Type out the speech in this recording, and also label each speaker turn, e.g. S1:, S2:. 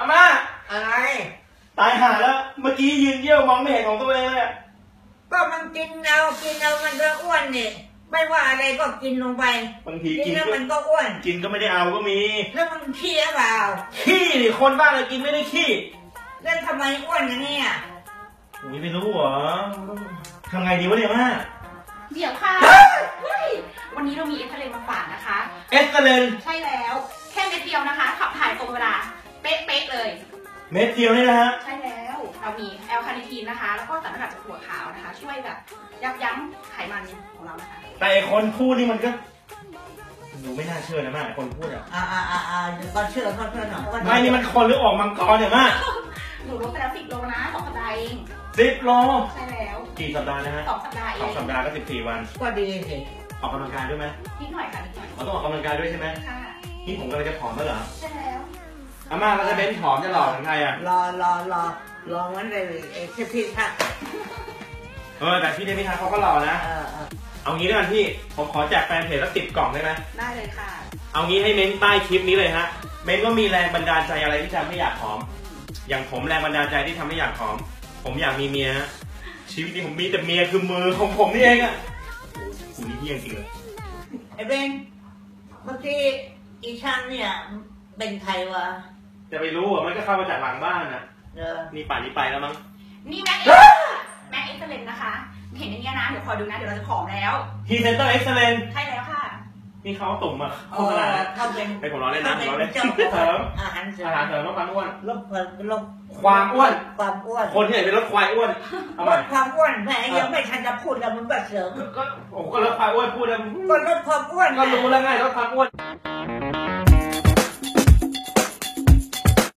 S1: อาม่า
S2: อะไร
S1: ตายห่าแล้วเมื่อกี้ยืนเยี่ยวมองไม่เห็นของตัวเองเลย
S2: ก็มันกินเอามันก็อ้วนนี่ไม่ว่าอะไรก็กินลงไป
S1: บางทีกิน
S2: แล้วมันก็อ้วน
S1: กินก็ไม่ได้เอาก็มี
S2: แล้วมันขี้หรือเปล่า
S1: ขี้ดิคนบ้าเลยกินไม่ได้ขี้
S2: แล้วทำไมอ้วนอย่างนี้
S1: ไม่รู้เหรอทำไงดีวะเนี่ยม่า
S3: เดี๋ยวค่ะวันนี้เรามีเอ็กซเรย์มาฝากนะคะ
S1: เอ็กซเรย์
S3: ใช่แล้วแค่เม็ดเดียวนะคะขับถ่ายตรงเวลาเป๊ะๆเลย
S1: เม็ดเดียวนี่นะฮะ
S3: ใช่แล้วเรามีแอลคาเนทีนนะคะแล้วก็สารสกัดจากถั่วขาวนะคะช่วยแบบยับยั้งไขมันของเรานะคะ
S1: แต่คนพูดนี่มันก็ดูไม่น่าเชื่อนะม่าคนพูด
S2: ก็เชื่อหน่อย
S1: ไม่นี่มันคนหรือออกมังกรเนี่ยม่า
S3: หนูลดไปแล้ว10 โลนะ2 สัปดาห์เอง
S1: 10 โล
S3: ใช่แล้ว
S1: กี่สัปดาห์นะฮะ
S3: 2 สัปดาห์เอง
S1: 2 สัปดาห์ก็14 วัน
S2: ก็ดีสิ
S1: ออกกำลังกายด้วยไหม
S3: นิดหน่อยค่ะนิดหน่อย
S1: ต้องออกกำลังกายด้วยใช่ไหม
S3: ค่ะ
S1: นี่ผมกำลังจะผอมแล้วเหรอ
S3: ใช่แล้ว
S1: อาม่าเราจะเบ้นผอมจะหล่อเหมือนใครอ่ะ
S2: รอวันเลยพี่ค่ะ
S1: แต่พี่เดมิทาเขาก็หล่อนะเอางี้ด้วยกันพี่ผมขอแจกแฟนเพจสัก10 กล่องได้ไหม
S3: ได้เลยค่ะ
S1: เอางี้ให้เม้นใต้คลิปนี้เลยฮะเม้นว่ามีแรงบันดาลใจอะไรที่ทำให้อยากผอมอย่างผมแรงบันดาลใจที่ทำให้อยากผอมผมอยากมีเมียชีวิตนี้ผมมีแต่เมียคือมือของผมนี่เองอะกูนี่เฮี้ยงจริงเลย
S2: ไอ้เบนเมื่อกี้อีช่างเนี่ยเป็นใครวะ
S1: จะไปรู้อ่ะมันก็เข้ามาจากหลังบ้านนะนี่ป่านนี้ไปแล้วมั้ง
S3: นี่แม็กเอ็กซ์เซเลนนะคะเห็นอย่างนี้นะเดี๋ยวคอยดูนะเดี๋ยวเราจะผอมแล้ว
S1: พรีเซนเตอร์เอ็กซ์เลน
S3: ใช่แล้วค่ะ
S1: นี่เขาตุ่มมาโฆษณาให้ผมร้อนเล่นนะผมร้อนเล่นเสริมอาหารเสริมลดความอ้วน
S2: ลด
S1: ความอ้วนคนที่ไหนเป็นลดควายอ้วน
S2: ลดความอ้วนแม่ยังไม่ทันจะพูดแล้วมึงก็เสริม
S1: ก็ลดความอ้วนพูดแล้ว
S2: ก็ลดความอ้วน
S1: ก็รู้แล้วไงลดความอ้วน